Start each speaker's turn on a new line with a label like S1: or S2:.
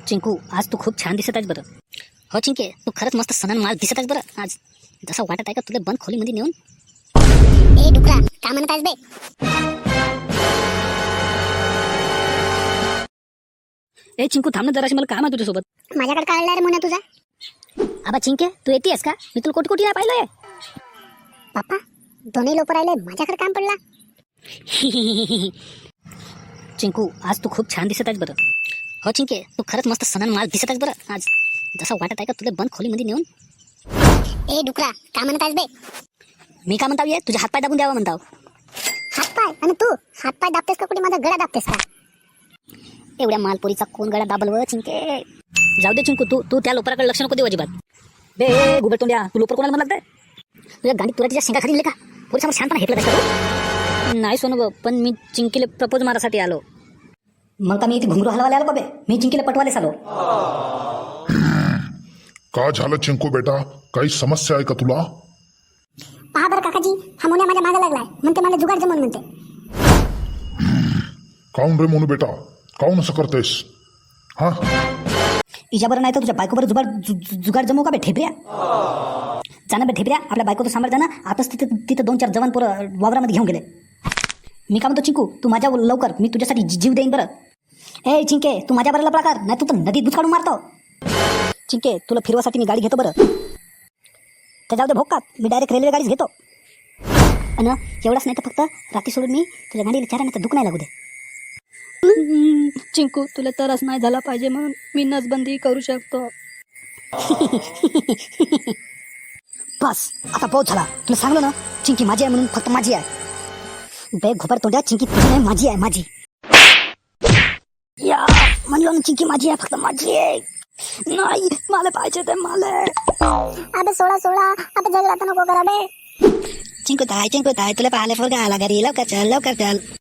S1: चिंकू, आज तू खूप छान दिसत आहेस बरं. हो चिंके, तू खरंच मस्त सणन माल दिसत आहेस बरं आज. जसं वाटत आहे का तुला बंद खोलीमध्ये नेऊन.
S2: ए डुकरा, का म्हणत आहेस बे?
S1: ए चिंकू, थांब ना जराशी, मला काम आहे तुझ्यासोबत.
S2: माझ्याकडे काढला रे मुन्ना तुझा.
S1: आबा चिंके, तू येतेस का? मी तुला कोटी कोटी नाही पाहिलंय.
S2: पप्पा, दोन्ही लोक राहिले, माझ्याकडे काम पडला.
S1: चिंकू, आज तू खूप छान दिसत आहेस बरं. हो चिंके, तू खरंच मस्त सणन माल दिसत आहेस बरं आज. जसं वाटत आहे का तुला बंद खोलीमध्ये नेऊन.
S2: ए डुकरा, का म्हणत आहेस बे?
S1: मी का म्हणताव, ये तुझ्या हातपाय दाबून द्यावा म्हणताव.
S2: हातपाय? आणि तू हातपाय दाबतेस का कुठे माझा गळा दाबतेस का?
S1: एवढ्या मालपोरीचा कोण गळा दाबल व चिंके. जाऊ दे चिंकू, तू तू त्या लोपराकडे लक्ष नको देऊ अजिबात. बे गुबरतोंड्या, तू लोपर कोणाला म्हणत आहे? तुझ्या गांडीत तुला शेंगा खाली का? पोरीसमोर शांतपणा हेटलं का? नाही सोनू, पण मी चिंकीला प्रपोज मारासाठी आलो. मग का मी इथे घुंगरू हलवायला आलो का बे? मी चिंकीला पटवायला आलो.
S3: का झालं चिंकू बेटा, काही समस्या आहे का तुला?
S2: पहा बरं काकाजी, हा मुन्या माझ्या मागे लागलाय, म्हणते मला जुगाड जमून म्हणते.
S3: काऊन रे मोनू बेटा, काऊन असं करतेस? हा,
S1: इजाबर नाही तर तुझ्या बायकोबर जुगाड जमू का बे ठेपऱ्या? जाणं बे ठेपऱ्या, आपल्या बायको तर सांभाळ जाणं. आताच तिथं 2-4 जवान पोरं वावरामध्ये घेऊन गेले. मी काय म्हणतो चिंकू, तू माझ्या लवकर, मी तुझ्यासाठी जीव देईन बरं. ए चिंके, तू माझ्या बरोबर लपला कर, नाही तू तर नदीत दूध काढून मारतो. चिंके, तुला फिरवासाठी मी गाडी घेतो बरं. तर जाऊ दे भोकात, मी डायरेक्ट रेल्वे गाडीच घेतो. आणि एवढंच नाही तर फक्त रात्री सोडून मी तुझ्या गाडीला चाराने दुख नाही लागू दे. चिंकू, तुला त्रास नाही झाला पाहिजे म्हणून मी नसबंदी करू शकतो. बस आता बहुत झाला. तुला सांगलो ना, चिंकी माझी आहे म्हणून, फक्त माझी आहे. बे घोबर तोंड्या, चिंकी तुझी नाही, माझी आहे, माझी. या म्हणलो ना, चिंकी माझी आहे, फक्त माझी आहे. नाही, मला पाहिजे ते मला.
S2: अबे सोळा अबे झगडा तर नको करा बे.
S1: चिंकू ताय, तुला पाहायला फोन आला घरी, लवकर चल.